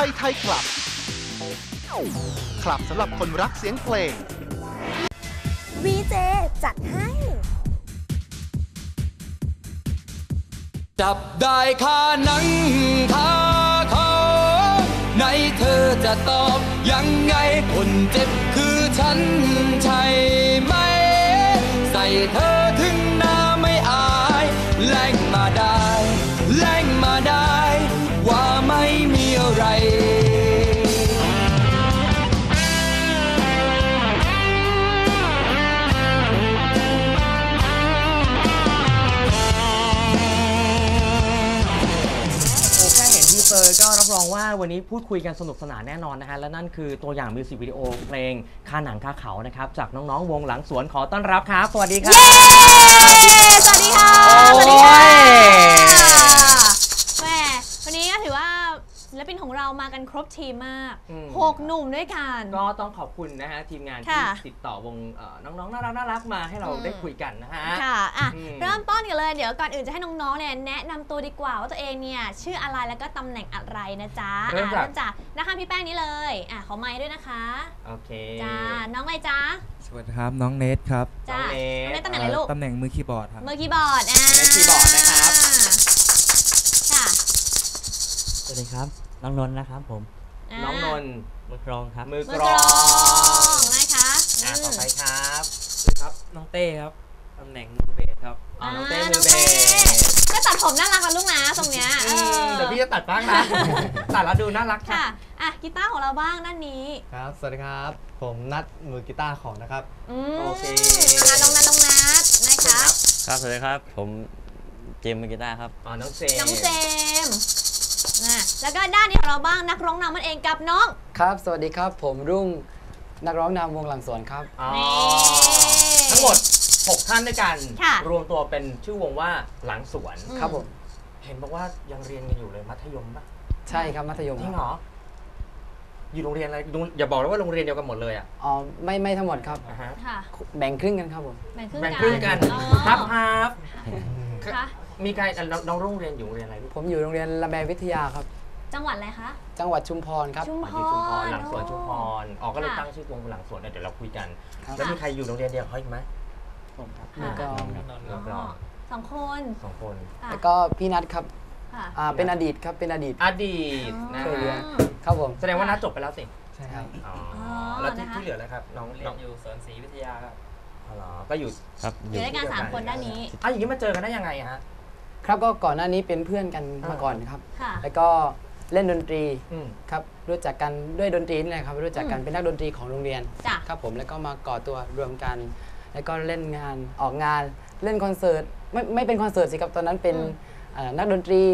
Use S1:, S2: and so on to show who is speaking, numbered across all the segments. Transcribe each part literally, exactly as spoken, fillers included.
S1: ยไทยคลับคลับสำหรับคนรักเสียงเพลง
S2: วี เจ จัดให้
S3: จับได้คาหนังคาเขาไหนเธอจะตอบยังไงคนเจ็บคือฉันใช่ไหมใส่เธอถึงหน้าไม่อายแล้งมาได้แล้งมาได้ว่าไม่มีอะไร
S4: เซอร์ก็รับรองว่าวันนี้พูดคุยกันสนุกสนานแน่นอนนะฮะและนั่นคือตัวอย่างมิวสิกวิดีโอเพลงคาหนังคาเขานะครับจากน้องๆวงหลังสวนขอต้อนรับครับสวัสดีครับ
S2: สวัสดีค่ะสวัสดีค่ะแหมวันนี้ก็ถือว่าศิลปินของเรามากันครบทีมมากหกหนุ่มด้วยกัน
S4: ก็ต้องขอบคุณนะฮะทีมงานที่ติดต่อวงน้องๆน่ารักน่ารักมาให้เราได้คุยกันนะฮะ
S2: ค่ะอ่ะเริ่มต้นกันเลยเดี๋ยวก่อนอื่นจะให้น้องๆเนี่ยแนะนำตัวดีกว่าว่าตัวเองเนี่ยชื่ออะไรแล้วก็ตำแหน่งอะไรนะจ๊ะเริ่มจากนะคะพี่แป้งนี้เลยอ่ะขอไมค์ด้วยนะคะ
S4: โอเค
S2: จ้าน้องอะไรจ๊ะ
S5: สวัสดีครับน้องเนทครับ
S2: จ้าน้องเนทตำแหน่งอะไรลูก
S5: ตำแหน่งมือคีย์บอร์ดครับ
S2: มือคีย์บอร์ดอ่า
S4: มือคีย์บอร์ดนะครับ
S2: ค่ะ
S6: สวัสดีครับน้องนนท์นะครับผม
S4: น้องนนท์
S6: มือกรองครับ
S4: มือกรอง
S2: นะคะ
S4: อ่าต่อไปครับ
S6: ครับน้องเต้ครับตำแหน่งมือเบสครับ
S4: อ๋อน้องเต้มือเบส
S2: ก็ตัดผมน่ารักกันลูกนะตรงเนี้ย
S4: เดี๋ยวพี่จะตัดบ้างนะตัดแล้วดูน่ารัก
S2: ค่ะอ่ะกีตาร์ของเราบ้างด้านนี้
S7: ครับสวัสดีครับผมนัทมือกีตาร์ของนะครับ
S4: โอเค
S2: น้องนัทน้องนัทนะคะ
S6: ครับสวัสดีครับผมเจมมือกีตาร์ครับ
S4: อ๋อน้องเจม
S2: น้องเจมนะแล้วก็ด้านนี้ของเราบ้างนักร้องนำมันเองกับน้อง
S7: ครับสวัสดีครับผมรุ่งนักร้องนำวงหลังสวนครับ
S4: ทั้งหมดหกท่านด้วยกันรวมตัวเป็นชื่อวงว่าหลังสวน
S7: ครับผม
S4: เห็นบอกว่ายังเรียนกันอยู่เลยมัธยมป่ะ
S7: ใช่ครับมัธยม
S4: จริงเหรออยู่โรงเรียนอะไรอย่าบอกว่าโรงเรียนเดียวกันหมดเลยอ่ะ
S7: อ๋อไม่ไม่ทั้งหมดครับแบ่งครึ่งกันครับผม
S2: แบ่งครึ่
S4: งครึ่งกันครับครับมีใครน้องโรงเรียนอยู่โรงเรียนอะไร
S7: ผมอยู่โรงเรียนละแมวิทยาครับ
S2: จังหวัดอะไรคะ
S7: จังหวัดชุมพรครับ
S2: ชุมพ
S4: รหลังสวนชุมพรออกก็เลยตั้งชื่อวงหลังสวนเดี๋ยวเราคุยกันแล้วมีใครอยู่โรงเรียนเดียวเขาอีกไหม
S7: ผมครับแล้วก็
S2: สองคน
S4: สองคน
S7: แล้วก็พี่นัทครับอ่าเป็นอดีตครับเป็นอดีต
S4: อดีตนะ
S7: ครับผม
S4: แสดงว่านัทจบไปแล้วสิ
S7: ใช่ครับ
S4: อ๋อแล้วที่เหลือแล้วครับน้อง
S6: เรียนอยู่สวนศรีวิทยาครับ
S4: อ๋อก็อยู่
S6: ครับ
S2: อยู่ด้วยกันสามคนด้านนี้
S4: อ่ะอย่างนี้มาเจอกันได้ยังไงฮะ
S7: ครับก็ก่อนหน้านี้เป็นเพื่อนกันมาก่อนครับแล้วก็เล่นดนตรีครับรู้จักกันด้วยดนตรีนี่แหละครับรู้จักกันเป็นนักดนตรีของโรงเรียนครับผมแล้วก็มาก่อตัวรวมกันแล้วก็เล่นงานออกงานเล่นคอนเสิร์ตไม่ไม่เป็นคอนเสิร์ตสิครับตอนนั้นเป็นนักดนตรี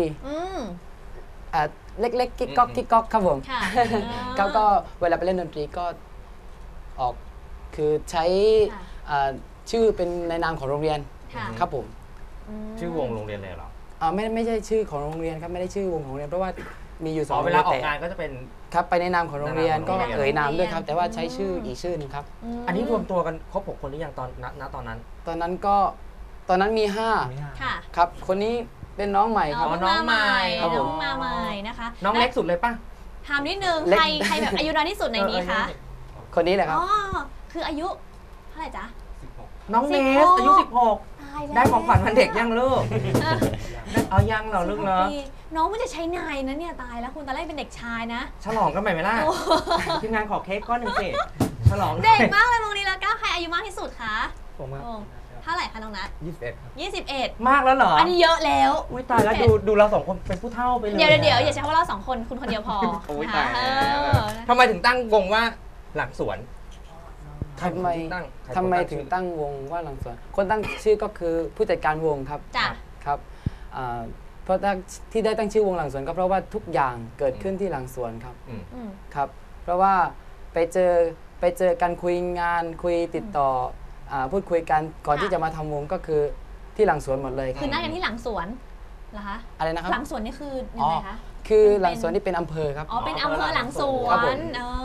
S7: เล็กๆกิ๊กก๊อกกิ๊กก๊อกครับผมเขาก็เวลาไปเล่นดนตรีก็ออกคือใช้ชื่อเป็นในนามของโรงเรียนครับผม
S4: ชื่อวงโรงเรียนเลยเหรอ
S7: อ่าไม่ไม่ใช่ชื่อของโรงเรียนครับไม่ได้ชื่อวงของโรงเรียนเพราะว่ามีอยู่สอง
S4: เวลาออกงานก็จะเป็น
S7: ครับไปในนามของโรงเรียนก็เอ่ยนามด้วยครับแต่ว่าใช้ชื่ออีกชื่อนึงครับ
S4: อันนี้รวมตัวกันครบหกคนหรือยังตอนณตอนนั้น
S7: ตอนนั้นก็ตอนนั้นมีห้าครับคนนี้เป็นน้องใหม่ครับ
S4: น้องใหม่
S2: น้องมาใหม่นะคะ
S4: น้องเล็กสุดเลยป่ะ
S2: ถามนิดนึงใครใครแบบอายุน้อยที่สุดในนี้คะ
S7: คนนี้แหละครับ
S2: อ๋อคืออายุเท่าไหร่จ๊ะ
S4: น้องเนสอายุสิบหกได้ของขวัญวันเด็กยังลูกเอายังเหรอลูกเนาะ
S2: น้องมันจะใช้นายนะเนี่ยตายแล้วคุณตอนแรกเป็นเด็กชายนะ
S4: ฉลองกันไปไหมล่ะทีมงานขอเค้กก้อนหนึ่งสิฉลอง
S2: เด็กมากเลยมองนี้แล้วก็ใครอายุมากที่สุดคะ
S7: ผม
S2: เท่าไหร่คะน้องนัท
S7: ยี่สิบเอ็ดครับ
S2: ยี่สิบเอ็ด
S4: มากแล้วเหรอ
S2: อันนี้เยอะแล้ว
S4: อุ้ยตายแล้วดูดูเราสองคนเป็นผู้เฒ่าไปเลย
S2: เดี๋ยวเดี๋ยวอย่าใช้คำว่าเราสองคนคุณคนเดียวพอ
S4: อุ้ยตายทำไมถึงตั้งวงว่าหลังสวน
S7: ทำไมทำไมถึงตั้งวงว่าหลังสวนคนตั้งชื่อก็คือผู้จัดการวงครับ
S2: จ้ะ
S7: ครับเพราะที่ได้ตั้งชื่อวงหลังสวนก็เพราะว่าทุกอย่างเกิดขึ้นที่หลังสวนครับครับเพราะว่าไปเจอไปเจอกันคุยงานคุยติดต่อพูดคุยกันก่อนที่จะมาทำวงก็คือที่หลังสวนหมดเลย
S2: คือนัดกันที่หลังสวนเหรอคะ
S7: อะไรนะครับ
S2: หลังสวนนี่คือยังไงคะ
S7: คือหลังสวนนี่เป็นอำเภอครับ
S2: อ๋อเป็นอำเภอหลังสวน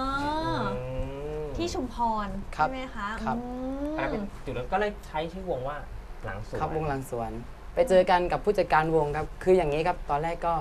S2: ที่ชุมพรใช่ไหมคะ
S7: ครับ
S4: จุดนั้นก็เลยใช้ชื่อวงว่าหลังสวน
S7: ครับวงหลังสวนไปเจอกันกับผู้จัดการวงครับคืออย่างนี้ครับตอนแรกก็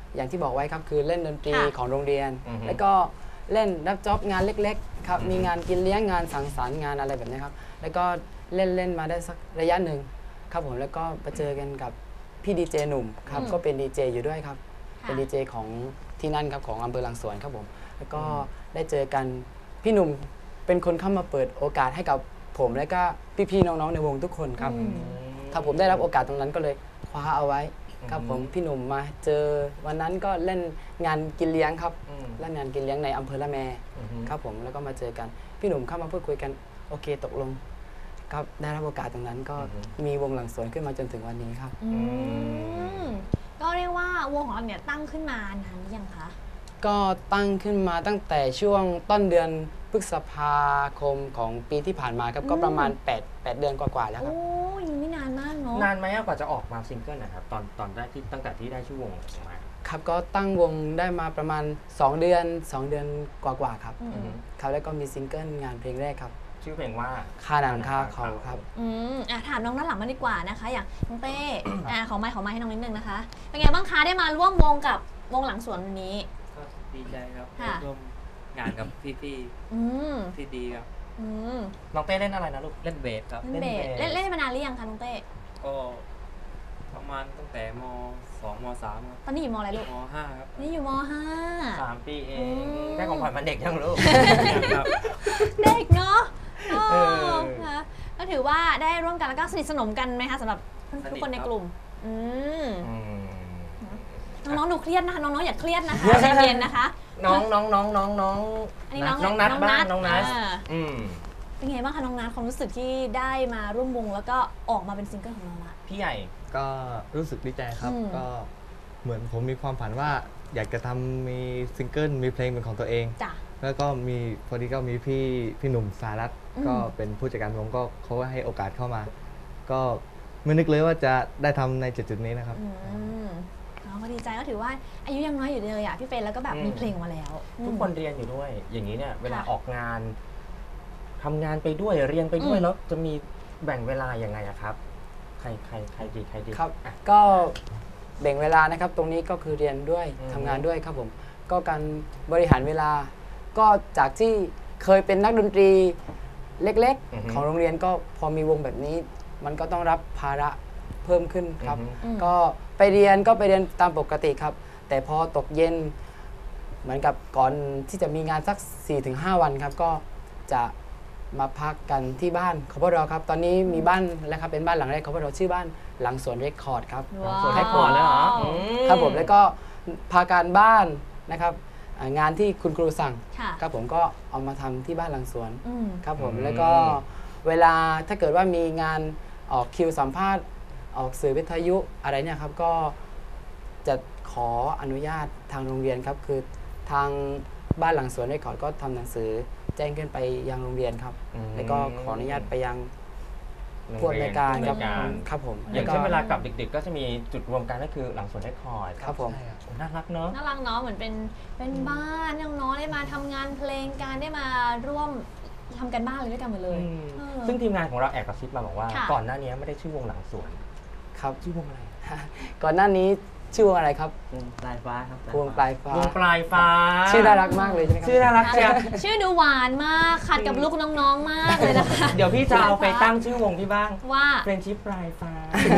S7: อย่างที่บอกไว้ครับคือเล่นดนตรี
S2: ค่ะ
S7: ของโรงเรียน
S4: อือฮึ
S7: แล้วก็เล่นรับจ็อบงานเล็กๆครับมีงานกินเลี้ยงงานสังสรรค์งานอะไรแบบนี้ครับแล้วก็เล่นเล่นมาได้สักระยะหนึ่งครับผมแล้วก็ไปเจอกันกับพี่ดีเจหนุ่มครับ
S2: อืม
S7: ก็เป็นดีเจอยู่ด้วยครับ
S2: ค่ะ
S7: เป็นดีเจของที่นั่นครับของอำเภอหลังสวนครับผมแล้วก็ได้เจอกันพี่หนุ่มเป็นคนเข้ามาเปิดโอกาสให้กับผมและก็พี่ๆน้องๆในวงทุกคนครับ
S2: อืม
S7: ถ้าผมได้รับโอกาสตรงนั้นก็เลยคว้าเอาไว้ครับผมพี่หนุ่มมาเจอวันนั้นก็เล่นงานกินเลี้ยงครับ
S4: อืม
S7: เล่นงานกินเลี้ยงในอำเภอละแม
S4: อือฮึ
S7: ครับผมแล้วก็มาเจอกันพี่หนุ่มเข้ามาพูดคุยกันโอเคตกลงครับได้รับโอกาสตรงนั้นก็มีวงหลังสวนขึ้นมาจนถึงวันนี้ครับ
S2: อืมก็เรียกว่าวงของเราเนี่ยตั้งขึ้นมานานหรือยังคะ
S7: ก็ตั้งขึ้นมาตั้งแต่ช่วงต้นเดือนพฤษภาคมของปีที่ผ่านมาครับก็ประมาณ8 8เดือนกว่าๆแล้วค
S2: โอ้
S7: รับ
S2: ยังไม่นานมากเนาะ
S4: นานไหมอะกว่าจะออกมาซิงเกิลนะครับตอนตอนได้ที่ตั้งแต่ที่ได้ชื่อวงออกมา
S7: ครับก็ตั้งวงได้มาประมาณ 2 เดือน 2 เดือนกว่าๆครับ
S2: อืม
S4: อือฮึ
S7: ครับแล้วก็มีซิงเกิลงานเพลงแรกครับ
S4: ชื่อเพลงว่า
S7: คาหนังคาเขาครับ
S2: อืมอ่ะถามน้องด้านหลังมาดีกว่านะคะ อย่างน้องเต้ อ่ะขอไมค์ขอไมค์ให้น้องนิดนึงนะคะ เป็นไงบ้างคะได้มาร่วมวงกับวงหลังสวนวันนี้
S6: ก็ดีใจครับ
S2: ค่ะ
S6: ร่วมงานกับพี่
S2: อืม
S6: ๆที่ดีครับ
S2: อืม
S4: น้องเต้เล่นอะไรนะลูก
S6: เล่นเบสครับ
S2: เล่นเบส
S4: เล่
S2: เล่
S4: น
S2: น
S4: เบส
S2: เล่นมานานหรือยังคะน้องเต้
S6: ก็ประมาณตั้งแต่มสองมสามครับ
S2: ตอนนี้อยู่มอะไรลูก
S6: มห้าครับ
S2: นี่อยู่มห้า
S4: สามปีเอ
S2: อื
S4: ง
S2: ม
S4: ได้ของขวัญวันเด็กยังลูก
S6: ครับ
S2: เด็กเนาะเอ
S4: เอ
S2: อ
S4: อ
S2: นะคะก็ถือว่าได้ร่วมกันแล้วก็สนิทสนมกันไหมคะสำหรับทุกคนในกลุ่ม อืม
S4: อืม
S2: น้องๆดูเครียดนะคะ น้องๆอย่าเครียดนะคะใจเย็นนะคะ
S4: น้องน้องน้องน้องน้อง
S2: อันนี้น้อง
S4: น้องนัดบ้างน้องนัด
S2: อ่า
S4: อืม
S2: เป็นไงบ้างคะน้องนัทความรู้สึกที่ได้มาร่วมวงแล้วก็ออกมาเป็นซิงเกิลของเราละ
S4: พี่ใหญ่
S8: ก็รู้สึกดีใจครับ
S2: อืม
S8: ก็เหมือนผมมีความฝันว่าอยากจะทำมีซิงเกิลมีเพลงเป็นของตัวเอง
S2: จ้ะ
S8: แล้วก็มีพอดีก็มีพี่พี่หนุ่มสารัตน์
S2: อืม
S8: ก็เป็นผู้จัดการวงก็เขาก็ให้โอกาสเข้ามา ก็ไม่นึกเลยว่าจะได้ทำในจุดๆนี้นะครับ
S2: อืมอ๋อก็ดีใจก็ถือว่าอายุยังน้อยอยู่เลยอ่ะพี่เฟรนแล้วก็แบบ
S4: อืม
S2: มีเพลงออกมาแล้ว
S4: ทุกคนเรียนอยู่ด้วย อย่างนี้เนี่ยเวลา
S2: ค่ะ
S4: ออกงานทำงานไปด้วยเรียนไปด้วย
S2: อืม
S4: แล้วจะมีแบ่งเวลายังไงอะครับ ใครใครใครดีใครดี
S7: ครับ
S4: อ่ะ
S7: ก็แบ่งเวลานะครับตรงนี้ก็คือเรียนด้วย
S4: อืม
S7: ทำงานด้วยครับผมก็การบริหารเวลา ก็จากที่เคยเป็นนักดนตรีเล็กๆ ของโรงเรียนก็พอมีวงแบบนี้ มันก็ต้องรับภาระเพิ่มขึ้นครับ
S4: อือฮึ
S2: อืม
S7: ก็ไปเรียนก็ไปเรียนตามปกติครับ แต่พอตกเย็นเหมือนกับก่อนที่จะมีงานสัก สี่ถึงห้า วันครับ ก็จะมาพักกันที่บ้านของพวกเราครับ ตอนนี้มีบ้านแล้วครับเป็นบ้านหลังแรกของพวกเราชื่อบ้านหลังสวนเรคคอร์ดครับ
S2: ว้าว
S4: ส่วนให้ก่อนแล้วเหรออื
S7: ครับผมแล้วก็พาการบ้านนะครับอ่างานที่คุณครูสั่ง
S2: ค่ะ
S7: ครับผมก็เอามาทำที่บ้านหลังสวน
S2: อืม
S7: ครับผม
S4: อืม
S7: แล้วก็เวลาถ้าเกิดว่ามีงานออกคิวสัมภาษณ์ออกสื่อวิทยุอะไรเนี่ยครับก็จะขออนุญาตทางโรงเรียนครับคือทางบ้านหลังสวนเรคคอร์ดก็ทำหนังสือแจ้งขึ้นไปยังโรงเรียนครับ
S4: อืม
S7: แล้วก็ขออนุญาตไปยังผู้อำนวยการครับ
S4: ผู้อำนวยการ
S7: ครับผม
S4: อย่าง
S7: แล้
S4: เช่น
S7: ว
S4: เว
S7: ก็
S4: ลากลับดึกๆ ก็จะมีจุดรวมกันก็คือหลังสวนเรคคอร์ด
S7: ครับผม
S4: โอ้น่ารักเนอะ
S2: น่ารักเนาะเหมือนเป็นเป็นบ้านน้องๆได้มาทำงานเพลงการได้มาร่วมทำกันบ้านเลยด้วยกันหมดเลย
S4: อืม
S2: เออ
S4: ซึ่งทีมงานของเราแอบกระซิบมาบอกว่า
S2: ค่ะ
S4: ก่อนหน้านี้ไม่ได้ชื่อวงหลังสวน
S7: ครับ
S4: ชื่อวงอะไร
S7: ก่อนหน้านี้ชื่อวงอะไรครับ
S6: วงปลายฟ้าครับ
S7: วงปลายฟ้า
S4: วงปลายฟ้า
S7: ชื่อน่ารักมากเลยใช่ไหมครับ
S4: ชื่อน่ารักเชียว
S2: ชื่อดูหวานมากขัดกับลูกน้องๆมากเลยนะคะ
S4: เดี๋ยวพี่จะเอาไปตั้งชื่อวงพี่บ้าง
S2: ว่า
S4: เฟรนชิปปลายฟ้า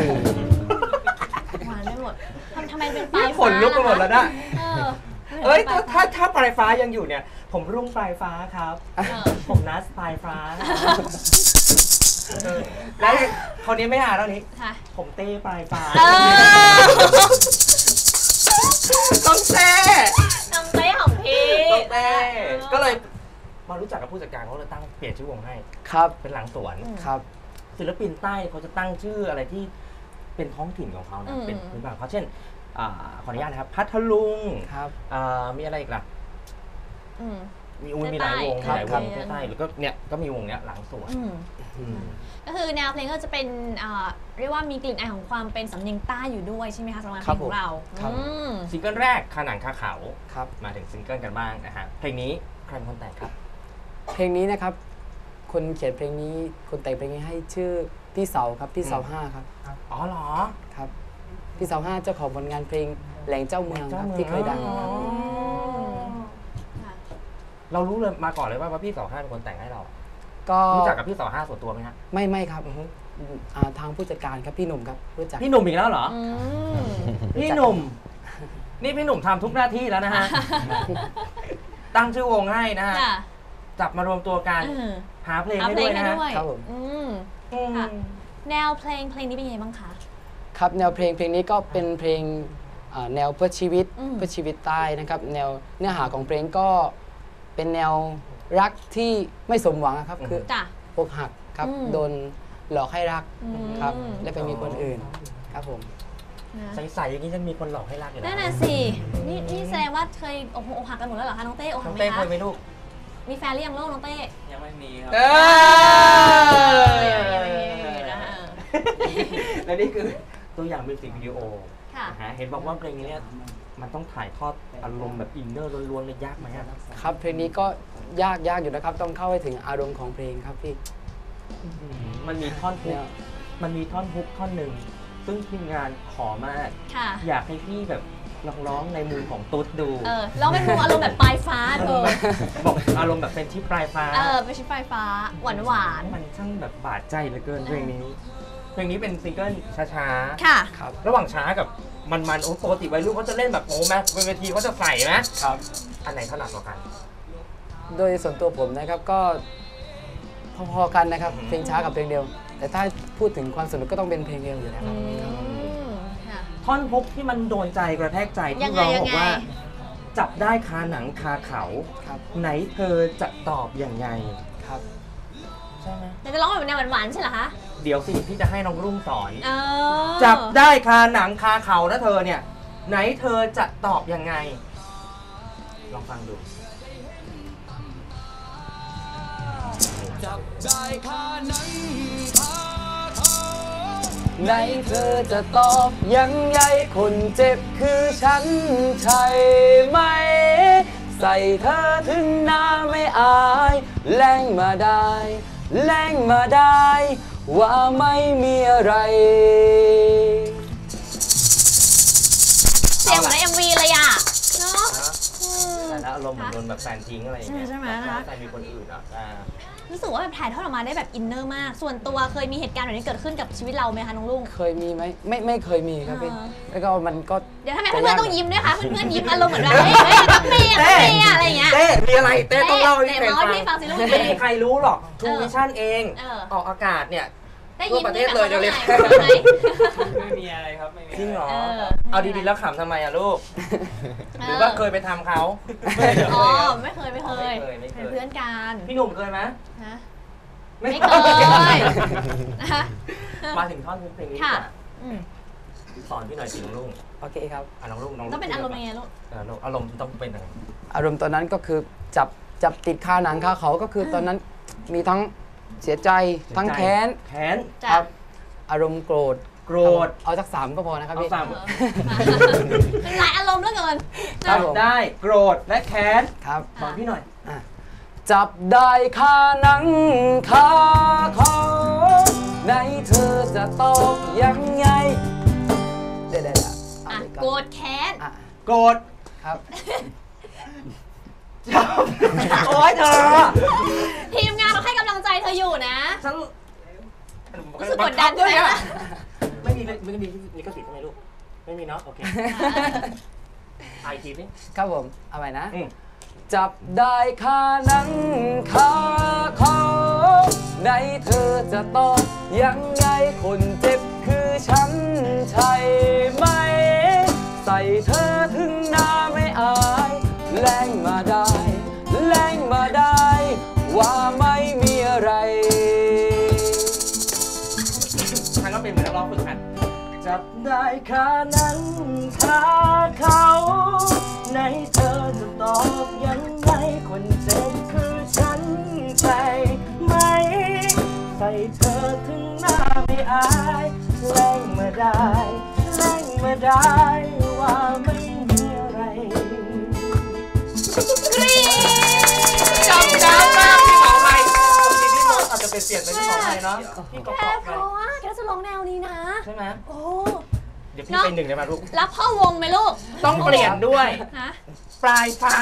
S2: หวานไม่หมดทำทำไมเป็นปลาย
S4: ขนลุกไปหมดแล้วนะ
S2: เออ
S4: เอ้ย
S2: ปล
S4: ถ้าถ้าถ้าปลายฟ้ายังอยู่เนี่ย ผมรุ่งปลายฟ้าครับ
S2: เออ
S4: ผมนัสปลายฟ้าเออแล้วคนนี้ไม่หาแล้วนี้
S2: ค่ะ
S4: ผมเต้ปลายฟ้า
S2: เออ
S4: ต้องเต้
S2: น้ำเต้ของพี่
S4: ต้องเต้
S2: เออ
S4: ก็เลยมารู้จักกับผู้จัดการเขาเลยตั้งเปลี่ยนชื่อวงให้
S7: ครับ
S4: เป็นหลังสวน
S7: ครับ
S4: ศิลปินใต้เขาจะตั้งชื่ออะไรที่เป็นท้องถิ่นของเขา
S2: อื
S4: นะ
S2: ม
S4: เป็นพื้นบ้านเขาเช่นอ่าขออนุญาตนะครับ พัทลุง
S7: ครับ
S4: อ่ามีอะไรอีกล่ะ
S2: อืม
S4: มีอุ้ยมีหลายวง
S2: ใต้
S4: มีหลายวง
S2: ครับ
S4: ใต้ๆหรือก็เนี่ยก็มีวงเนี้ยหลังสวน
S2: อืม
S4: อืม
S2: ก็คือแนวเพลงก็จะเป็นอ่าเรียกว่ามีกลิ่นอายของความเป็นสำเนียงใต้อยู่ด้วยใช่ไหมคะสำหรับเพ
S7: ครั
S2: ล
S7: บ
S2: งของเรา
S7: ครับ
S2: อืม
S4: ซิงเกิลแรกคาหนังคาเขา
S7: ครับ
S4: มาถึงซิงเกิลกันบ้างนะฮะเพลงนี้ใครเป็นคนแต่งครับ
S7: เพลงนี้นะครับ คนเขียนเพลงนี้ คนแต่งเพลงนี้ให้ชื่อพี่เสาครับ พี่เสา
S4: อืม
S7: ห้าครับ
S4: อ๋อเหรอ
S7: ครับ พี่เสาห้าเจ้าของผลงานเพลงแหล่งเจ้าเมืองครับที่เคยดังครับ
S4: เรารู้เลยมาก่อนเลยว่าว่าพี่สอห้าเป็นคนแต่งให้เรา
S7: ก็
S4: รู้จักกับพี่สอห้าส่วนตัวไหมฮะ
S7: ไม่ไม่ครับอ่าทางผู้จัดการครับพี่หนุ่มครับรู้จัก
S4: พี่หนุ่มอีกแล้วเหรอ
S2: อืม
S4: พี่หนุ่ม นี่พี่หนุ่มทำทุกหน้าที่แล้วนะฮะ ตั้งชื่อวงให้นะฮะ
S2: ค่ะ
S4: จับมารวมตัวกัน
S2: เออ
S4: หาเพลง
S2: หา
S4: ให้
S2: เพล
S4: ด้
S2: ง
S4: วย
S2: ให้
S4: นะฮะ
S2: ด้วย
S7: ครับผม
S2: อืม
S4: อืม
S2: ค่ะ แนวเพลงเพลงนี้เป็นยังไงบ้างคะ
S7: ครับแนวเพลงเพลงนี้ก็เป็นเพลงอ่าแนวเพื่อชีวิต
S2: อืม
S7: เพื่อชีวิตใต้นะครับแนวเนื้อหาของเพลงก็เป็นแนวรักที่ไม่สมหวังนะครับคือ
S2: จ้ะ
S7: อกหักครับ
S2: อืม
S7: โดนหลอกให้รัก
S2: อืม
S7: ครับได้ไปมีคนอื่นครับผม
S2: นะ
S4: ใสๆอย่างนี้จะมีคนหลอกให้รักอยู่แล้ว
S2: นั่นน่ะสิ นี่นี่แสดงว่าเคยอกหักอกหักกันหมดแล้วเหรอคะน้องเต้อกหั
S4: น้
S2: ก
S4: อง
S2: ไหม
S4: เต้เค
S2: คะ
S4: ยไหมลูก
S2: มีแฟนหรือยังลูกน้องเต้
S6: ยังไม่มีครับ
S4: เอ
S2: ยังไม่มีนะฮะ
S4: และนี่คือตัวอย่างมิวสิกวิดีโอ
S2: ค่ะ
S4: นะฮะเห็นบอกว่าเพลงนี้เนี่ยมันต้องถ่ายทอดอารมณ์แบบอินเนอร์ล้วนๆเลยยากไหมครับ
S7: ครับเพลงนี้ก็ยากยากอยู่นะครับ ต้องเข้าไปถึงอารมณ์ของเพลงครับพี่
S4: มันมีท่อนฮุ
S7: แน
S4: ก
S7: ว
S4: มันมีท่อนฮุกท่อนหนึ่งซึ่งทีมงานขอมาก
S2: ค่ะ
S4: อยากให้พี่แบบลองร้องในมือของตุ๊ดดู
S2: เออลองเป็นมุมอารมณ์แบบปลายฟ้าเธอ
S4: บอกอารมณ์แบบเป็นที่ปลายฟ้า
S2: เออเป็นชิ้นปลายฟ้า หวานหวาน
S4: มันช่างแบบบาดใจเหลือเกินเพลงนี้ เพลงนี้เป็นซิงเกิลช้า
S2: ๆค่ะ
S7: ครับ
S4: ๆ ระหว่างช้ากับมันๆโอ้ปกติวัยรุ่นเขาจะเล่นแบบโอ้แม่เป็นเวทีเขาจะใส่นะครับ อันไหนถนัดกว่ากัน
S7: โดยส่วนตัวผมนะครับก็พอๆกันนะครับ
S4: อืม
S7: เพลงช้ากับเพลงเร็ว แต่ถ้าพูดถึงความสนุกก็ต้องเป็นเพลงเร็วอยู่แล้วครับ
S2: ค่ะ
S4: ท่อนฮุกที่มันโดนใจกระแทกใจ
S2: ยั
S4: ที่
S2: งไง
S4: ร้อง
S2: ยั
S4: บ
S2: ง
S4: อก
S2: ไง
S4: ว่า จับได้คาหนังคาเขา
S7: ครับ
S4: ไหนเธอจะตอบอย่างไง
S7: ครับ
S4: ใช่ไหม
S2: แต่จะร้องแบบแนวหวานๆใช่เหรอคะ
S4: เดี๋ยวสิพี่จะให้น้องรุ่งสอน
S2: เออ
S4: จับได้คาหนังคาเขานะเธอเนี่ย ไหนเธอจะตอบยังไง ลองฟังดู
S3: จับได้คาหนังคาเขา
S7: ไหนเธอจะตอบยังไงคนเจ็บคือฉันใช่ไหม ใส่เธอถึงหน้าไม่อายแรงมาได้แรงมาได้ ว่าไม่มีอะไร
S2: เสียงเหมือนใน เอ็ม วี เลยอ่ะ เนาะอืม
S4: แต่แล้วอารมณ์เหมือนโดนแบบแฟนทิ้งอะไรอย่างเงี้ย
S2: ใช่ไหมใช่ไหมนะคะ
S4: แต่มีคนอื่นอ่ะอ่า
S2: รู้สึกว่าแบบถ่ายทอดออกมาได้แบบอินเนอร์มาก ส่วนตัวเคยมีเหตุการณ์แบบนี้เกิดขึ้นกับชีวิตเราไหมคะน้องลุง
S7: เคยมีไหมไม่ไม่เคยมีครับพี่
S2: อ่า
S7: แล้วก็มันก็
S2: เดี๋ยวทำไมเพื่อนๆต้องยิ้มด้วยคะเพื่อนๆยิ้มอารมณ์เหมือนแบบเฮ้ยเฮ้ยกับเมย์กับเมย์อะไรอย่างเงี้ย
S4: เต้มีอะไรเต้ต้องเล่าให้
S2: เต้
S4: พี่
S2: เมาให้พี่ฟังสิลูก
S4: ไม่มีใครรู้หรอกทู
S2: เออ
S4: วิชั่นเอง
S2: เออ
S4: ออกอากาศเนี่ย
S2: ได้
S4: ทั่ว
S2: ยิ้ม
S4: ประเทศเลยเดี๋ยวเรียก
S2: ได้ไหม
S6: ไม่มีอะไรครับ ไม่มี
S4: จริงเหรอ
S2: เออ
S4: เอาดีๆแล้วขำทำไมอะลูก หรือว่าเคยไปทำเขา
S2: อ๋อไม่เคยไม่เคย
S4: ไม่เคยไม่เคย
S2: เป็นเพื่อนกัน
S4: พี่หนุ่มเคยไหม
S2: ฮะ
S4: ไม่
S2: ไม่
S4: เค
S2: เค
S4: ย
S2: ยนะคะ
S4: มาถึงท่อนเพลงนี้
S2: ค่ะ
S4: ดีกว่า
S2: อืม
S4: สอนพี่หน่อยสิน้องลุง
S7: โอเคครับ
S4: อ่ะน้องลุงน้อง
S2: ต้องเป็นอารมณ์ยังไงลูก
S4: เออลูกอารมณ์ต้องเป็นยังไง
S7: อารมณ์ตอนนั้นก็คือจับจับติดคาหนังคาเขาก็คือตอนนั้นมีทั้งเสียใจทั้งแค้น
S4: แค้น
S2: จ้ะ
S7: ครับอารมณ์โกรธ
S4: โกรธ
S7: เอาสักสามก็พอนะครับ
S4: เอา
S7: พี่
S4: สาม
S2: เออเป็นหลายอารมณ์เหลือเกิน
S7: ครับผม
S4: ได้โกรธและแค้น
S7: ครับ
S4: สอนพี่หน่อย
S7: อ่ะจับได้คาหนังคาเขาไหนเธอจะตอบยังไงเดี๋ยวเดี๋ยวเดี๋ยวเอา
S2: อ่ะ
S7: ไปอน
S2: โกรธแค้น
S7: อ่ะ
S4: โกรธ
S7: ครับ
S4: จับโอ๊ยเธอ
S2: ทีมงานเราให้กำลังใจเธออยู่นะ
S4: ฉัน
S2: รู้สึกกดดันใช่ไหม
S4: อะไม่มีไม่มีลิขสิทธิ์ใช่ไหมลูก ไม่มีเนาะโอเคไอทีนี่
S7: ครับผมเอาไปนะ
S4: อืม
S7: จับได้คาหนังคาเขาไหนเธอจะตอบยังไงคนเจ็บคือฉันใช่ไหม ใส่เธอถึงหน้าไม่อายแรงมาได้แรงมาได้ ว่าไม่มีอะไร
S4: ทางก็เป็นเหมือนนักร้องฝึกหัดจับได้คาหนังคาเขาไหนเธอจะตอบยังไงคนเจ็บคือฉันใช่ไหม ใส่เธอถึงหน้าไม่อายแรงมาได้แรงมาได้ว่าไม่มีอะไรจำได้มากพี่ขอไปพี่พี่มดอาจจะเป็นเปลี่ยนเป็นพี่ขอไปเนาะพี่ก
S2: แค่
S4: อบ
S2: เพ
S4: ไป
S2: ราะว่าแกจะร้องแนวนี้นะ
S4: ใช่ไหม
S2: โอ้
S4: เดี๋ยวพี่เป็นหนึ่งได้ไหมลูก
S2: รับพ่อวงไหมลูก
S4: ต้องเปลี่ยนด้วยปลายฟ้า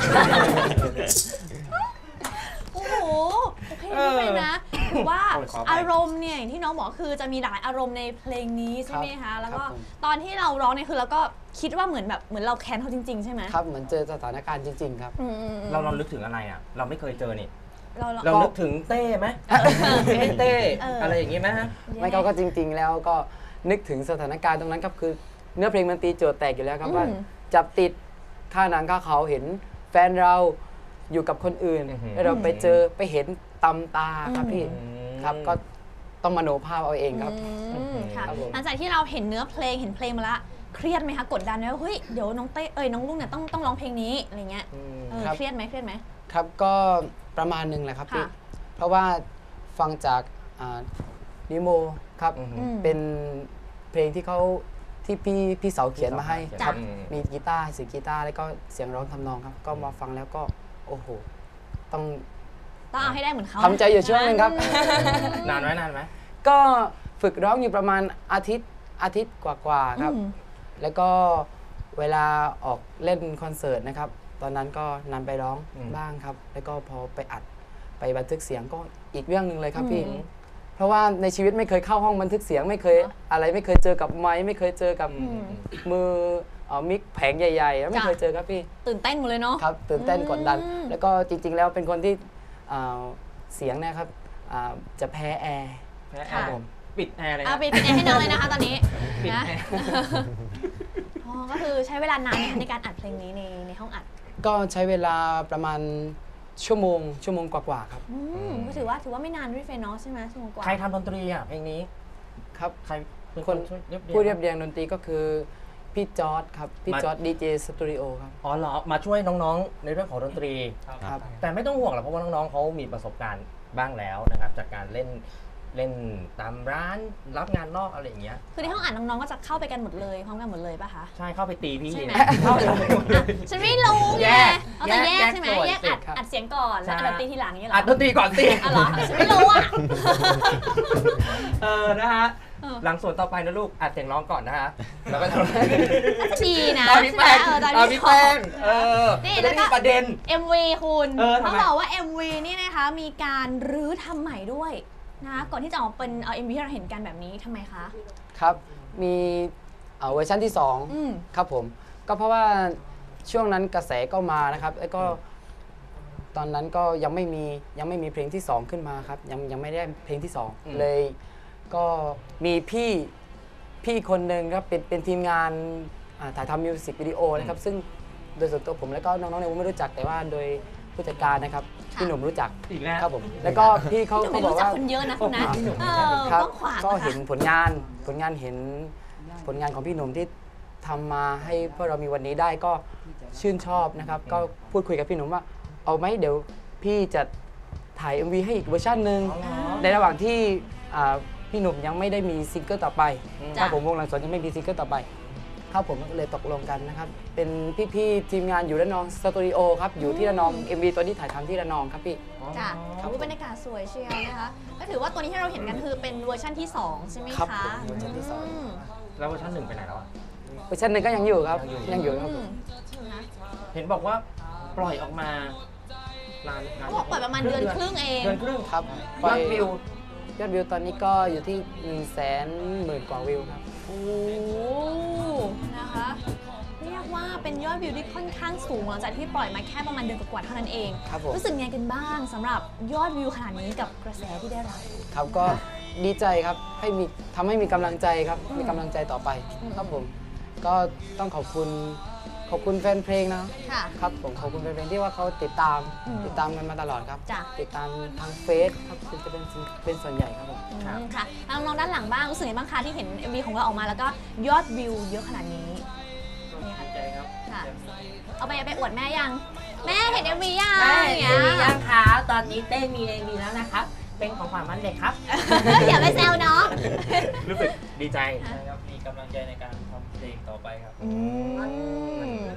S2: โอ้โหโอเคไม่เป็นนะถือว่าอารมณ์เนี่ยที่น้องบอกคือจะมีหลายอารมณ์ในเพลงนี้ใช่ไหมคะแล้วก็ตอนที่เราร้องเนี่ยคือเราก็คิดว่าเหมือนแบบเหมือนเราแค้นเขาจริงๆใช่ไหม
S7: ครับเหมือนเจอสถานการณ์จริงๆครับ
S4: เราเราลึกถึงอะไรอ่ะเราไม่เคยเจอนี่
S2: เรา
S4: เรานึกถึงเต้ไหมเต้อะไรอย่างงี้ไหมฮะ
S7: ไม่เขาก็จริงๆแล้วก็นึกถึงสถานการณ์ตรงนั้นครับคือเนื้อเพลงมันตีโจทย์แตกอยู่แล้วครับว่าจับติดค่าหนังค่าเขาเห็นแฟนเราอยู่กับคนอื่นแล้วเราไปเจอไปเห็นตำตาครับพี่ครับก็ต้องมโนภาพเอาเองครับ
S2: ค่ะหลังจากที่เราเห็นเนื้อเพลงเห็นเพลงมาละเครียดไหมคะกดดันไหมว่าเฮ้ยเดี๋ยวน้องเต้เอ้ยน้องลุงเนี่ยต้องต้องร้องเพลงนี้อะไรเงี้ยเครียดไหมเครียดไหม
S7: ครับก็ประมาณนึงแหละครับพี่เพราะว่าฟังจากนิโมครับเป็นเพลงที่เขาที่พี่พี่เสาเขียนมาให้ครับมีกีตาร์เสียงกีตาร์แล้วก็เสียงร้องทำนองครับก็มาฟังแล้วก็โอ้โหต้อง
S2: ต้องเอาให้ได้เหมือนเขา
S7: ทำใจอยู่ช่วงนึงครับ
S4: นานไหมนานไหม
S7: ก็ฝึกร้องอยู่ประมาณอาทิตย์อาทิตย์กว่าๆครับแล้วก็เวลาออกเล่นคอนเสิร์ตนะครับตอนนั้นก็นำไปร้องบ้างครับแล้วก็พอไปอัดไปบันทึกเสียงก็อีกเรื่องหนึ่งเลยครับพี่เพราะว่าในชีวิตไม่เคยเข้าห้องบันทึกเสียงไม่เคยอะไรไม่เคยเจอกับไมค์ไม่เคยเจอกับมือมิกแผงใหญ่ๆไม่เคยเจอครับพี่
S2: ตื่นเต้นหมดเลยเนาะ
S7: ครับตื่นเต้นกดดันแล้วก็จริงๆแล้วเป็นคนที่เสียงนะครับจะแพ้แอร์
S4: ครับผมปิดแอร์เลย
S2: ปิดแอร์ให้น้องเลยนะคะตอนนี้ปิดแอร์ก็คือใช้เวลานานในการอัดเพลงนี้ในในห้องอัด
S7: ก็ใช้เวลาประมาณชั่วโมงชั่วโมงกว่าๆครับ
S2: ก็ถือว่าถือว่าไม่นานด้วยเฟนเนาะใช่ไหมชั่วโมงกว่า
S4: ใครทำดนตรีอ่ะเพลงนี้
S7: ครับ
S4: ใคร
S7: เป็นคนผู้เรียบเรียงดนตรีก็คือพี่จอร์ดครับพี่จอร์ดดีเจสตูดิโอครับ
S4: อ๋อเหรอมาช่วยน้องๆในเรื่องของดนตรีครับแต่ไม่ต้องห่วงหรอกเพราะว่าน้องๆเขามีประสบการณ์บ้างแล้วนะครับจากการเล่นเล่นตามร้านรับงานนอกอะไรอย่างเงี้ย
S2: คือในห้องอ่านน้องๆก็จะเข้าไปกันหมดเลยพร้อมกันหมดเลยป่ะคะ
S4: ใช่เข้าไปตีพี่
S2: ใช่ไหมฉันไม่รู้ไงเอาแต่แยกใช่ไหมแยกอัดอัดเสียงก่อนแล้วอัดดนตรีทีหลังอย่างเงี้ยหรอ
S4: อัดดนตรีก่อนสิ
S2: อ๋อเหรอฉันไม่รู้อ่ะ
S4: เออนะฮะหลังส่วนต่อไปนะลูกอัดเสียงร้องก่อนนะฮะแล้วก็
S2: ดีนะ
S4: ตอนพี่แป้งตอนพี่แป้งเออ
S2: นี่แล้วก็
S4: ประเด็น
S2: เอ็ม วี คุณต้องบอกว่า เอ็ม วี นี่นะคะมีการรื้อทำใหม่ด้วยนะก่อนที่จะออกเป็นเอา เอ็ม วี ที่เราเห็นกันแบบนี้ทำไมคะ
S7: ครับมีเวอร์ชันที่สองครับผมก็เพราะว่าช่วงนั้นกระแสก็มานะครับแล้วก็ตอนนั้นก็ยังไม่มียังไม่มีเพลงที่สองขึ้นมาครับยังยังไม่ได้เพลงที่สองเลยก็มีพี่พี่คนหนึ่งครับเป็นเป็นทีมงานถ่ายทำมิวสิกวิดีโอนะครับซึ่งโดยส่วนตัวผมแล้วก็น้องๆในวงไม่รู้จักแต่ว่าโดยผู้จัดการนะครับพี่หนุ่มรู้จักครับผมแล้วก็พี่เขา
S2: เขาบอกว่าคนเยอะนะคุณนะครับ
S7: ก็เห็นผลงานผลงานเห็นผลงานของพี่หนุ่มที่ทำมาให้พวกเรามีวันนี้ได้ก็ชื่นชอบนะครับก็พูดคุยกับพี่หนุ่มว่าเอาไหมเดี๋ยวพี่จะถ่าย เอ็ม วี ให้อีกเวอร์ชันหนึ่งในระหว่างที่พี่หนุ่มยังไม่ได้มีซิงเกิลต่อไปครับผมวงหลังสวนยังไม่มีซิงเกิลต่อไปครับผมก็เลยตกลงกันนะครับเป็นพี่ๆทีมงานอยู่ระนองสตูดิโอครับอยู่ที่ระนอง เอ็ม วี ตัวนี้ถ่ายทำที่ระนองครับพี่
S2: จ้ะบรรยากาศสวยเชียวนะคะก็ถือว่าตัวนี้ที่เราเห็นกันคือเป็นเวอร์ชันที่สองใช่ไหมคะครับ
S7: เวอร์ชันที่สอง
S4: แล้วเวอร์ชันหนึ่งไปไหนแล้ว
S7: เวอร์ชันหนึ่งก็ยังอยู่ครับยังอยู่ครับ
S4: เห็นบอกว่าปล่อยออกมา
S2: เขาบอกปล่อยประมาณเดือนครึ่งเอง
S4: เดือนครึ่ง
S7: ครับ
S4: ยอดวิ
S7: วยอดวิวตอนนี้ก็อยู่ที่หนึ่งแสนหมื่นกว่าวิวครับ
S2: โอ้นะคะเรียกว่าเป็นยอดวิวที่ค่อนข้างสูงหลังจากที่ปล่อยมาแค่ประมาณเดือนกว่าเท่านั้นเองรู้สึกไงกันบ้างสำหรับยอดวิวขนาดนี้กับกระแสที่ได้รับ
S7: ครับก็ดีใจครับให้มีทำให้มีกำลังใจครับมีกำลังใจต่อไปครับผมก็ต้องขอบคุณขอบคุณแฟนเพลงนะครับผมขอบคุณแฟนเพลงที่ว่าเขาติดตามติดตามกันมาตลอดครับติดตามทางเฟซครับจะเป็นเป็นส่วนใหญ่ครับผม
S2: ค่ะแล้วน้องด้านหลังบ้างรู้สึกไงบ้างคะที่เห็น เอ็ม วี ของเราออกมาแล้วก็ยอดวิวเยอะขนาดนี้
S4: ดีใจครับ
S2: เอาไปไปอวดแม่ยังแม่เห็น เอ็ม วี ยัง
S9: แม่เห็น เอ็ม วี ยังคะตอนนี้เต้มี เอ็ม วี แล้วนะครับเป็นของขวัญวันเด็กครับ
S2: อย่าไปแซวน้อง
S4: รู้สึกดีใจ
S5: ครับมีกำลังใจในการทำเพลงต่อไปครับ
S4: เรา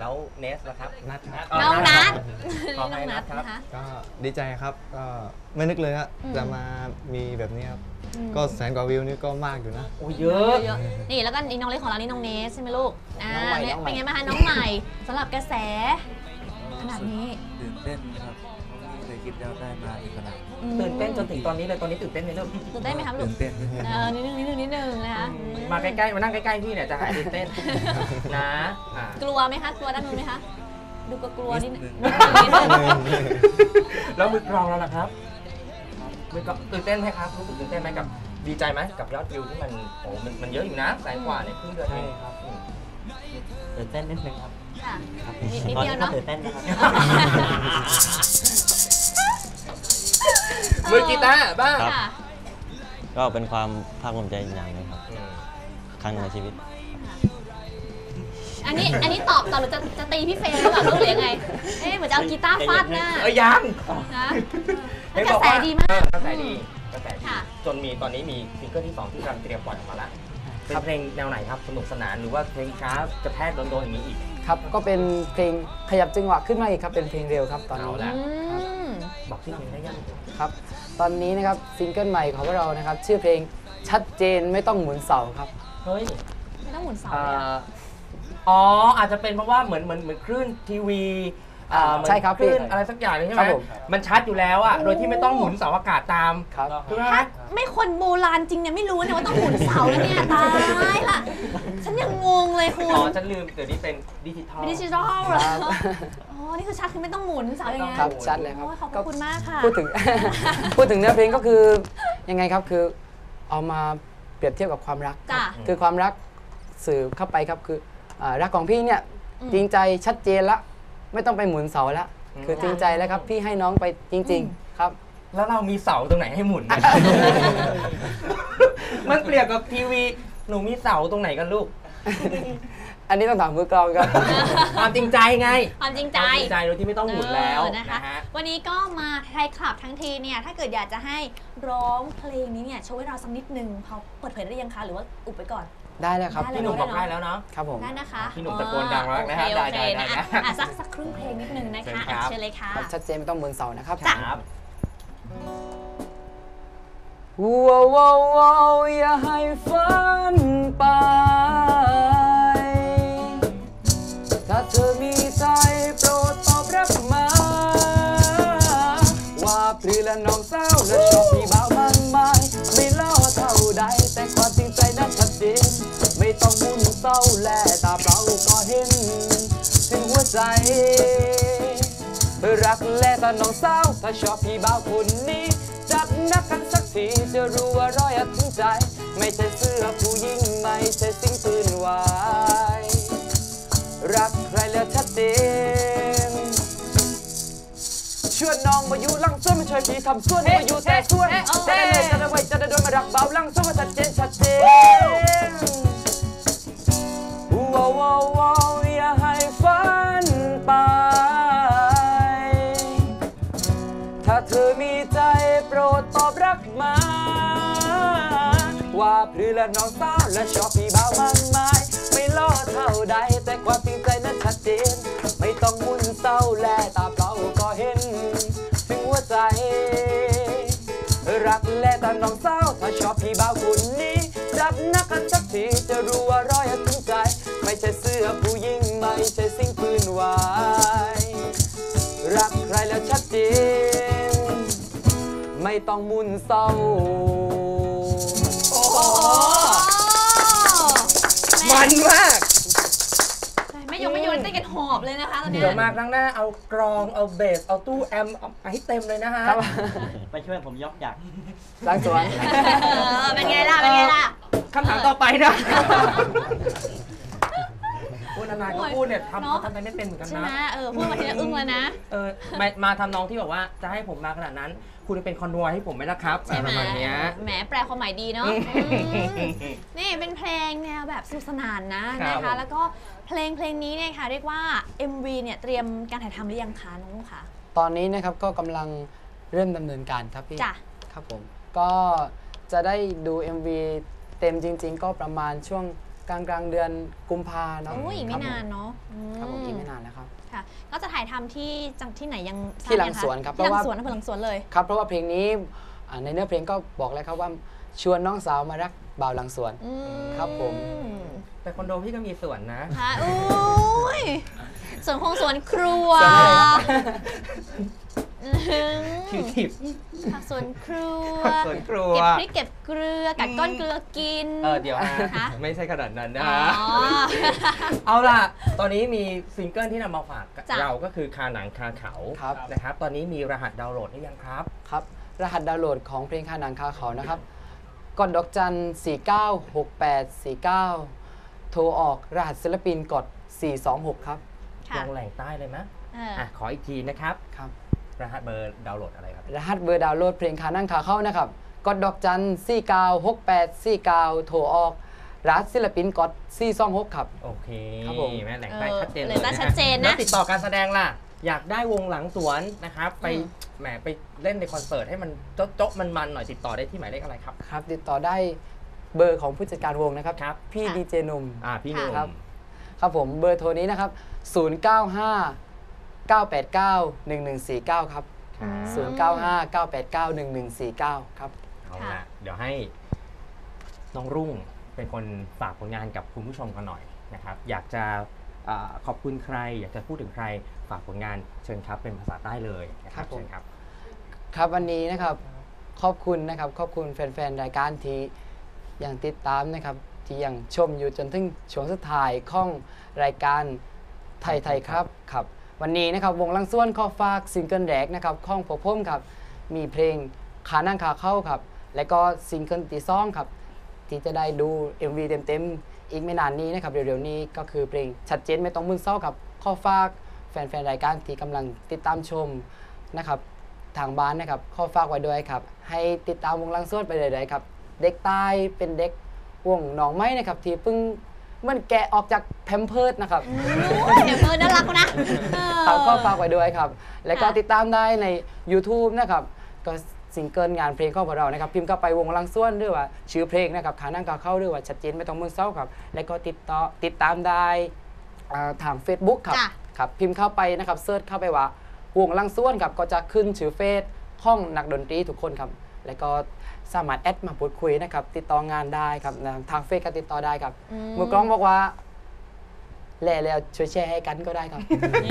S4: แล้วเนสล่ะครับ
S8: นัดครับ
S2: น้องนัท
S4: ขอ
S2: น้
S4: ให้
S2: องนั
S4: นั
S2: ท
S4: ทครับ
S2: นะคะ
S8: ก็ดีใจครับก็ไม่นึกเลยฮะ
S2: อืม
S8: จะมามีแบบนี้ครับ
S2: อืม
S8: ก็แสนกว่าวิวนี่ก็มากอยู่นะ
S4: โอ้เยอะ
S2: เยอะนี่แล้วก็นี่น้องเล็กของเรานี่น้องเนสใช่ไหมลูกอ่า
S7: น้องใหม่
S2: เนี่ย
S7: น้องใหม่
S2: เป็นไงบ้างคะน้องใหม่สำหรับกระแสขนาดนี้
S5: ตื่นเต้นครับไม่เคยคิดจะได้มาถึงขนาดนี้
S2: อืม
S4: ตื่นเต้นจนถึงตอนนี้เลยตอนนี้ตื่นเต้นไหมลูก
S2: ตื่นเต้นไหมครับลู
S5: ตื่
S2: ก
S5: นเต้นนิดนึง
S2: เออนิดนึงนิดนึงนิดนึงนะคะ
S4: มาใกล้ๆมานั่งใกล้ๆพี่เนี่ยจะหายตื่นเต้นนะอ่ะ
S2: กลัวไหมคะกลัวด้านนู้นไหมคะดูกลัวๆนิดนึง
S5: นิดนึง
S2: นิดนึงนิดนึง
S4: แล้วมือกลองเราล่ะครับมือกลองตื่นเต้นไหมครับรู้สึกตื่นเต้นไหมกับดีใจไหมกับยอดวิวที่มันโอ้มันมันเยอะอยู่นะแสนกว่าในครึ่งเดือนเอง
S6: ใช่ครับ
S4: อืม
S6: ตื่นเต้นนิดนึงครับ
S2: ค่ะ
S6: ครับ
S2: นิดนิด
S6: ตอน
S2: เดียว
S6: นี้ก็
S2: เนาะ
S6: ตื่นเต้นนะครับ
S4: มือกีตาร์บ้าง
S6: ครับ
S2: ค่ะ
S6: ก็เป็นความภาคภูมิใจอย่างหนึงครับ
S4: อืม
S6: ครั้งหนึ่งในชีวิต
S2: อันนี้อันนี้ตอบตอบหรือจะจะตีพี่เฟย์หรือเปล่าลูกหรือยังไงเอ๊ะเหมือนจะเอากีตาร์ฟาดหน้า
S4: เอ้ยยัง
S2: นะก
S4: เห็น
S2: ระ
S4: บอก
S2: แส
S4: ว่า
S2: ดีมาก
S4: เออกระแสดีกระแสดี
S2: ค่ะ
S4: จนมีตอนนี้มีซิงเกิลที่สองที่กำลังเตรียมปล่อยออกมาแล้วเป็นเพลงแนวไหนครับสนุกสนานหรือว่าเพลงช้ากระแทกโดนๆอย่างนี้อีก
S7: ครับก็เป็นเพลงขยับจังหวะขึ้นมาอีกครับเป็นเพลงเร็วครับตอนนี้
S4: เอาละ
S2: อืม
S4: บอกชื่อเพลงได้ยัง
S7: ครับตอนนี้นะครับซิงเกิลใหม่ของพวกเรานะครับชื่อเพลงชัดเจนไม่ต้องหมุนเสาครับ
S4: เฮ้ย
S2: ไม่ต้องหมุนเสา
S4: เอ่
S2: เลยอะ
S4: ออ๋ออาจจะเป็นเพราะว่าเหมือนเหมือนเหมือนคลื่นทีวีอ่าเหมือน
S7: ใช่ครับ
S4: คลื่น
S7: พี่
S4: อะไรสักอย่างหนึงใช่ไห
S7: ค
S4: ม
S7: รับผม
S4: มันชัดอยู่แล้วอะโดยที่ไม่ต้องหมุนเสาอากาศตาม
S7: ครับ
S4: ถูกไหม
S2: ถ้าไม่คนโบราณจริงเนี่ยไม่รู้เนี่ยว่าต้องหมุนเสาแล้วเนี่ยตายละฉันยังงงเลยคุณ
S4: อ๋อฉันลืมเดี๋ยวนี้เป็นดิจิทัล
S2: เป็นดิจิทัลเหรอ
S7: ครับ
S2: อ๋อนี่คือชัดคือไม่ต้องหมุนเสาอย่างเงี้ย
S7: ครับชัดเลยครับ
S2: โอ้ยขอบพระคุณมากค่ะ
S7: พูดถึง พูดถึงเนื้อเพลงก็คือยังไงครับคือเอามาเปรียบเทียบกับความรัก
S2: จ้ะ
S7: คือความรักสื่อเข้าไปครับคืออ่ารักของพี่เนี่ย
S2: อืม
S7: จริงใจชัดเจนละไม่ต้องไปหมุนเสาละ
S4: อืม
S7: คือจริงใจแล้วครับพี่ให้น้องไปจริง ๆ ครับ
S4: แล้วเรามีเสาตรงไหนให้หมุนเนี่ย มันเปรียบกับทีวีหนูมีเสาตรงไหนกันลูก
S7: อันนี้ต้องถามมือกลองครับ
S4: ความจริงใจไง
S2: ความจริงใจ
S4: ความจริงใจโดยที่ไม่ต้องหมุนแล้ว
S2: เออนะคะ
S4: นะฮะ
S2: วันนี้ก็มาไทยคลับทั้งทีเนี่ยถ้าเกิดอยากจะให้ร้องเพลงนี้เนี่ยโชว์ให้เราสักนิดนึงพอเปิดเผยได้ยังคะหรือว่าอุบไปก่อน
S7: ได้แล้วครับ
S2: ได้เลย
S4: พี่หนุ่มบอกได้แล้วเนาะ
S7: ครับผม
S2: ได้นะคะ
S4: พี่หนุ่มตะโกนดังมากนะฮะ
S2: โอเค
S4: ได้
S2: โอเค
S4: ได้
S2: นะ
S4: ได้
S2: อ่ะอ่ะสักสักครึ่งเพลงนิดนึงนะคะ
S4: เชิญครับ
S2: อ่ะเชิญเลยค่ะ
S7: ครับชัดเจนไม่ต้องหมุนเสานะครับ
S2: จ้ะ
S4: ครับ
S7: ว้าวว้าวว้าวอย่าให้ฝันไป ถ้าเธอมีใจโปรดตอบรับมา ว่าพลีและน้องสาวและชอบพี่บ่าวมันไม่ไม่ล่อเท่าใดแต่ความจริงใจนั้นชัดเจนไม่ต้องหมุนเศร้าและตาเปล่าก็เห็นถึงหัวใจ รักและตอนน้องสาวถ้าชอบพี่บ่าวคนนี้จัดนักกันสักทีจะรู้ว่ารอยถึงใจ ไม่ใช่เสื้อผู้หญิงไม่ใช่สิ่งปืนวายรักใครแล้วชัดเจนชวนน้องมาอยู่หลังส่วนมาช่วยพี่ทำส่วนมาอยู่แต่ส่วนจะได้เลยจะได้ไว้จะได้โดนมารักเบาหลังส่วนมาชัดเจนชัดเจนว้าวว้าวว้าวอย่าให้ฝันไป ถ้าเธอมีใจโปรดตอบรักมา ว่าพลือและน้องสาวและชอบพี่บ่าวมันไม้ไม่ล่อเท่าใดแต่ความจริงใจนั้นชัดเจนไม่ต้องมุ่นเศร้าและตาเปล่าก็เห็นถึงหัวใจ รักและตาน้องสาวถ้าชอบพี่บ่าวคนนี้จับนักกันสักทีจะรู้ว่ารอยถึงใจไม่ใช่เสื้อผู้หญิงไม่ใช่สิ่งปืนวายรักใครแล้วชัดเจนไม่ต้องมุ่นเศร้า
S4: โอ้โหมันมาก
S2: ไม่ยกไม่โยนเต้นกันหอบเลยนะคะตอนเนี้ย
S4: เดี๋ยวมาครั้งหน้าเอากรองเอาเบสเอาตู้แอมเอาให้เต็มเลยนะฮะ
S6: ไปช่วยผมยกอยาก
S7: ล้างสวน
S2: เออเป็นไงล่ะเป็นไงล่ะ
S4: คำถามต่อไปนะพูดนานๆก็พูดเนี่ย
S2: เนอะ
S4: ทำทำอะไรไม่เป็นเหมือนกัน
S2: ใช่ไหม
S4: นะ
S2: เออพูดมาทีละอึ้งเลยนะ
S4: เออมามาทำนองที่แบบว่าจะให้ผมมาขนาดนั้น คุณเป็นคอนวอยให้ผมไหมล่ะครับ
S2: ใช่ไหม
S4: ประมาณเนี้ย
S2: แหมแปลความหมายดีเนาะ
S4: อืม
S2: อืมนี่เป็นเพลงแนวแบบสนุกสนานนะครับ
S4: ผม
S2: นะคะ แล้วก็เพลงเพลงนี้เนี่ยค่ะเรียกว่า เอ็ม วี เนี่ยเตรียมการถ่ายทำหรือยังคะน้องลูกคะ
S7: ตอนนี้นะครับก็กำลังเริ่มดำเนินการครับพี่
S2: จ้ะ
S7: ครับผมก็จะได้ดู เอ็ม วี เต็มจริง ๆ ก็ประมาณช่วงกลางกลางเดือนกุมภาเนาะ
S2: โอ้ยอีกไม่นานเนาะ
S7: ครับผมอีกไม่นานแล้วครับ
S2: ค่ะก็จะถ่ายทำที่จังที่ไหนยัง
S7: ที่หลังสวนครับเพ
S2: ที่
S7: ราะ
S2: หลั
S7: ว่าง
S2: สวนอำเภอหลังสวนเลย
S7: ครับเพราะว่าเพลงนี้ในเนื้อเพลงก็บอกแล้วครับว่าชวนน้องสาวมารักบ่าวหลังสวนครับผม
S4: แต่คอนโดพี่ก็มีสวนนะ
S2: ค่ะอุ้ยสวนคงสวนครัว
S4: คิวทิป
S2: ผักสวนครัว
S4: สวนครัว
S2: เก็บพริกเก็บเกลือกัดก้อนเกลือกิน
S4: เออเดี๋ยวนะไม่ใช่ขนาดนั้นนะเอาล่ะตอนนี้มีซิงเกิลที่นำมาฝากเราก็คือคาหนังคาเขานะครับตอนนี้มีรหัสดาวน์โหลดหรือยังครับ
S7: ครับรหัสดาวน์โหลดของเพลงคาหนังคาเขานะครับกดดอกจันสี่เก้าหกแปดสี่เก้าโทรออกรหัสศิลปินกดสี่สองหกครับ
S4: ลงแหล่งใต้เลยไหมอ่ะขออีกทีนะครับครับรหัสเบอร์ดาวน์โหลดอะไรครับ
S7: รหัสเบอร์ดาวน์โหลดเพลงคานั่งขาเข้านะครับกดดอกจันสี่เก้าหกแปดสี่เก้าโทรออกรหัสศิลปินกดสี่สองหกครับ
S4: โอเค
S7: ครับผม
S4: แม่แหล่งใต้ชัดเจนเลย
S2: นะชัดเจนนะ
S4: แล้วติดต่อการแสดงล่ะอยากได้วงหลังสวนนะครับไปแหมไปเล่นในคอนเสิร์ตให้มันโจ๊ะมันมันหน่อยติดต่อได้ที่หมายเลขอะไรครับ
S7: ครับติดต่อได้เบอร์ของผู้จัดการวงนะครับ
S4: ครับ
S7: พี่ดีเจนุ่ม
S4: อ่าพี่นุ่ม
S7: ครับครับผมเบอร์โทรนี้นะครับศูนย์ เก้า ห้า เก้า แปด เก้า หนึ่ง หนึ่ง สี่ เก้าครับศูนย์ เก้า ห้า เก้า แปด เก้า หนึ่ง หนึ่ง สี่ เก้าครับ
S4: เอาละเดี๋ยวให้น้องรุ่งเป็นคนฝากผลงานกับคุณผู้ชมกันหน่อยนะครับอยากจะขอบคุณใครอยากจะพูดถึงใครฝากผลงานเชิญครับเป็นภาษาใต้เลยนะครับเชิญครับ
S7: ครับวันนี้นะครับขอบคุณนะครับขอบคุณแฟนๆรายการที่ยังติดตามนะครับที่ยังชมอยู่จนถึงช่วงสุดท้ายของรายการไทยไทยครับครับวันนี้นะครับวงลังส่วนขอฝากซิงเกิลแรกนะครับของผมผมครับมีเพลงขานั่งขาเข้าครับและก็ซิงเกิลที่สองครับที่จะได้ดู เอ็ม วี เต็มๆอีกไม่นานนี้นะครับเร็วๆนี้ก็คือเพลงชัดเจนไม่ต้องมึนเศร้าครับขอฝากแฟนๆรายการที่กำลังติดตามชมนะครับทางบ้านนะครับขอฝากไว้ด้วยครับให้ติดตามวงลังส่วนไปเรื่อยๆครับเด็กใต้เป็นเด็กวงหนองไม้นะครับที่เพิ่งมันแกะออกจากแพมเพิร์ดนะครับ
S2: แพมเพิร์ดน่ารักนะ
S7: ก็ฝากไว้ด้วยครับแล้วก็ติดตามได้ใน YouTube นะครับก็ซิงเกิลงานเพลงของเรานะครับพิมพ์เข้าไปวงลังส่วนหรือว่าชื่อเพลงนะครับขานั่งขาเข้าหรือว่าชัดเจนไม่ต้องมึนเศร้าครับแล้วก็ติดต่อติดตามได้ทาง Facebook ครับครับพิมพ์เข้าไปนะครับเซิร์ชเข้าไปว่าวงลังส่วนครับก็จะขึ้นชื่อเฟซห้องนักดนตรีทุกคนครับแล้วก็สามารถแอดมาพูดคุยนะครับติดต่องานได้ครับทางเฟซก็ติดต่อได้ครับมือกล้องบอกว่าแล่แล้วช่วยแชร์ให้กันก็ได้ครับ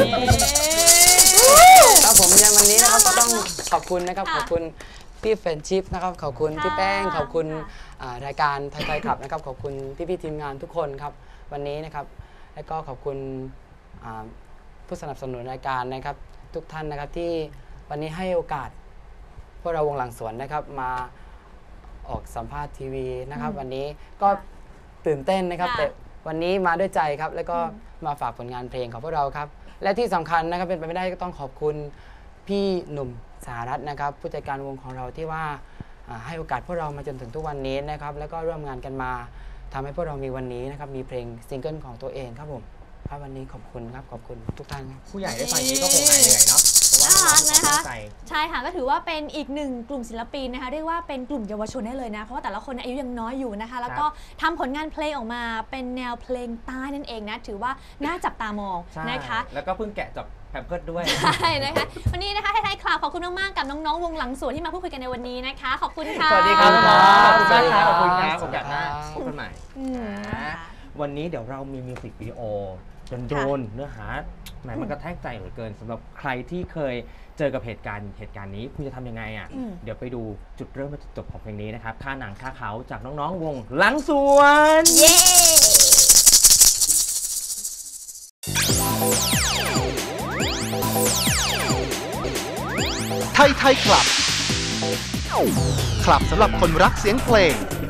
S7: ครับผมในวันนี้นะครับก็ต้องขอบคุณนะครับขอบคุณพี่แฟนชิพนะครับขอบคุณพี่แป้งขอบคุณรายการไทยไทยครับนะครับขอบคุณพี่พี่ทีมงานทุกคนครับวันนี้นะครับแล้วก็ขอบคุณผู้สนับสนุนรายการนะครับทุกท่านนะครับที่วันนี้ให้โอกาสพวกเราวงหลังสวนนะครับมาออกสัมภาษณ์ทีวีนะครับวันนี้ก็ตื่นเต้นนะครับแต่วันนี้มาด้วยใจครับแล้วก็มาฝากผลงานเพลงของพวกเราครับและที่สำคัญนะครับเป็นไปไม่ได้ก็ต้องขอบคุณพี่หนุ่มสหรัฐนะครับผู้จัดการวงของเราที่ว่าให้โอกาสพวกเรามาจนถึงทุกวันนี้นะครับแล้วก็ร่วมงานกันมาทำให้พวกเรามีวันนี้นะครับมีเพลงซิงเกิลของตัวเองครับผมครับวันนี้ขอบคุณครับขอบคุณทุกท่านครับ
S4: ผู้ใหญ่ได้ฟังนี้ก็คงหายเหนื่อยเนาะ
S2: น่ารักนะคะใช่ค่ะก็ถือว่าเป็นอีกหนึ่งกลุ่มศิลปินนะคะเรียกว่าเป็นกลุ่มเยาวชนได้เลยนะเพราะว่าแต่ละคนอายุยังน้อยอยู่นะคะแล้วก็ทำผลงานเพลงออกมาเป็นแนวเพลงใต้นั่นเองนะถือว่าน่าจับตามองนะคะ
S4: แล้วก็เพิ่งแกะจับแพมเพิร์ดด้วย
S2: ใช่นะคะวันนี้นะคะไทยไทยคลาวขอบคุณมากๆกับน้องๆวงหลังสวนที่มาพูดคุยกันในวันนี้นะคะขอบคุณค่ะ
S4: สวัสดีครับขอบคุณมากครับขอบคุณครับโอกาสหน้าพบกันใหม่วันนี้เดี๋ยวเรามีมิวสิกวิดีโอโดนเนื้อหาแหมมันกระแทกใจเหลือเกินสำหรับใครที่เคยเจอกับเหตุการณ์เหตุการณ์นี้คุณจะทำยังไงอ่ะเดี๋ยวไปดูจุดเริ่มและจุดจบของเพลงนี้นะครับค่าหนังค่าเขาจากน้องๆวงหลังสวน
S2: เย้
S1: ไทยไทยคลับคลับสำหรับคนรักเสียงเพลง